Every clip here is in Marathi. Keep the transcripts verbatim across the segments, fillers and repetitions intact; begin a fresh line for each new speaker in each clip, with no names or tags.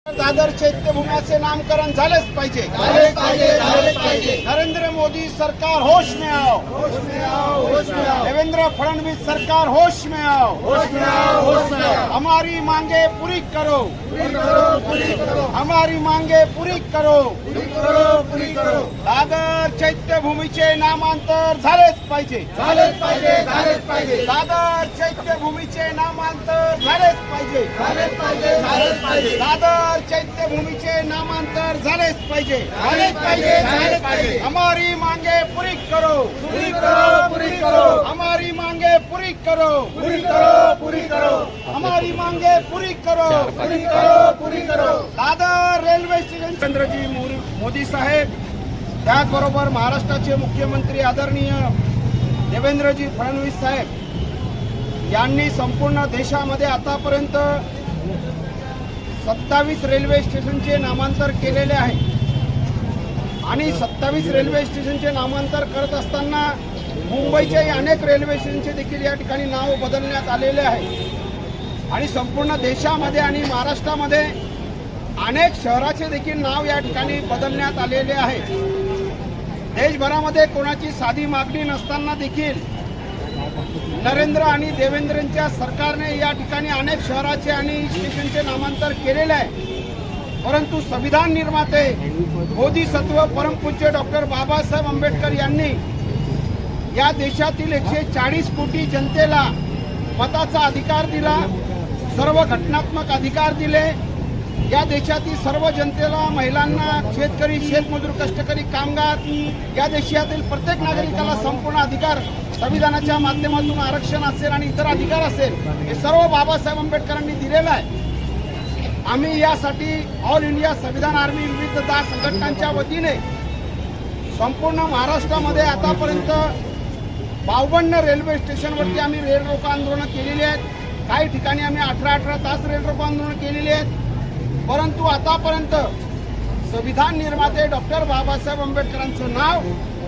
दादर चैत्यभूमीचे नामकरण झालेच पाहिजे नरेंद्र मोदी सरकार होश में आओ, देवेंद्र फडणवीस सरकार होश में आओ, हमारी मांगे पूरी करो, हमारी मांगे पूरी करो, दादर चैत्यभूमीचे नामांतर झालेच पाहिजे, दादर चैत्यभूमीचे नामांतर झालेच पाहिजे, दादर चैत्यभूमीचे नामांतर झालेच पाहिजे, झालेच पाहिजे, झालेच पाहिजे। हमारी मांगे पूरी करो, पूरी करो, पूरी करो, हमारी मांगे पूरी करो, पूरी करो, पूरी करो, हमारी मांगे पूरी करो, पूरी करो, पूरी करो। दादर रेल्वे स्टेशन चंद्रजी मोदी साहेब, त्याचबरोबर महाराष्ट्राचे मुख्यमंत्री आदरणीय देवेंद्रजी फडणवीस साहेब यांनी संपूर्ण देशामध्ये आतापर्यंत सत्तावीस रेल्वे स्टेशनचे नामांतर केलेले आहे आणि सत्तावीस रेल्वे स्टेशनचे नामांतर करत असताना मुंबईच्याही अनेक रेल्वे स्टेशनचे देखील या ठिकाणी नाव बदलण्यात आलेले आहे आणि संपूर्ण देशामध्ये आणि महाराष्ट्रामध्ये अनेक शहराचे देखील नाव या ठिकाणी बदलण्यात आलेले आहे। देशभरामध्ये कोणाची साधी मागणी नसताना देखील नरेंद्र आणि देवेंद्रच्या सरकारने या ठिकाणी अनेक शहराचे आणि स्टेशनचे नामांतर केलेले आहे, परंतु संविधान निर्माते बोधिसत्व परमपूज्य डॉक्टर बाबासाहेब आंबेडकर यांनी या देशातील एकशे चाळीस कोटी जनतेला मताचा अधिकार दिला, सर्व घटनात्मक अधिकार दिले। या देशातील सर्व जनतेला, महिलांना, शेतकरी, शेतमजूर, कष्टकरी, कामगार या देशातील प्रत्येक नागरिकाला संपूर्ण अधिकार संविधानाच्या माध्यमातून आरक्षण असेल आणि इतर अधिकार असेल हे सर्व बाबासाहेब आंबेडकरांनी दिलेलं आहे। आम्ही यासाठी ऑल इंडिया संविधान आर्मी विविध दास संघटनांच्या वतीने संपूर्ण महाराष्ट्रामध्ये आतापर्यंत बावन्न रेल्वे स्टेशनवरती आम्ही रेल रोको आंदोलन केलेली आहेत। काही ठिकाणी आम्ही अठरा अठरा तास रेल रोको आंदोलन केलेली आहेत, परंतु आतापर्यंत संविधान निर्माते डॉक्टर बाबासाहेब आंबेडकरांचं नाव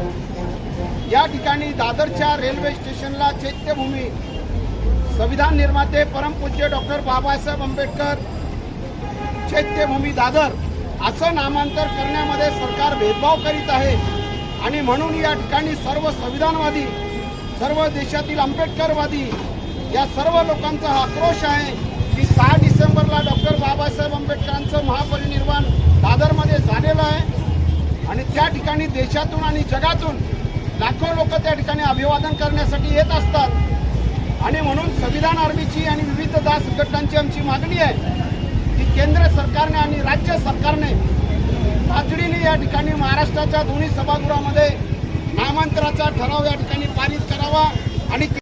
या ठिकाणी दादरच्या रेल्वे स्टेशनला चैत्यभूमी संविधान निर्माते परमपूज्य डॉक्टर बाबासाहेब आंबेडकर चैत्यभूमी दादर असं नामांतर करण्यामध्ये सरकार भेदभाव करीत आहे आणि म्हणून या ठिकाणी सर्व संविधानवादी, सर्व देशातील आंबेडकरवादी या सर्व लोकांचा हा आक्रोश आहे की सहा डिसेंबरला डॉक्टर बाबासाहेब आंबेडकरांचं महापरिनिर्वाण दादरमध्ये झालेलं आहे आणि त्या ठिकाणी देशातून आणि जगातून लाखो लोक त्या ठिकाणी अभिवादन करण्यासाठी येत असतात आणि म्हणून संविधान आर्मीची आणि विविध दास संघटनांची आमची मागणी आहे की केंद्र सरकारने आणि राज्य सरकारने तातडीने या ठिकाणी महाराष्ट्राच्या दोन्ही सभागृहामध्ये नामांतराचा ठराव या ठिकाणी पारित करावा आणि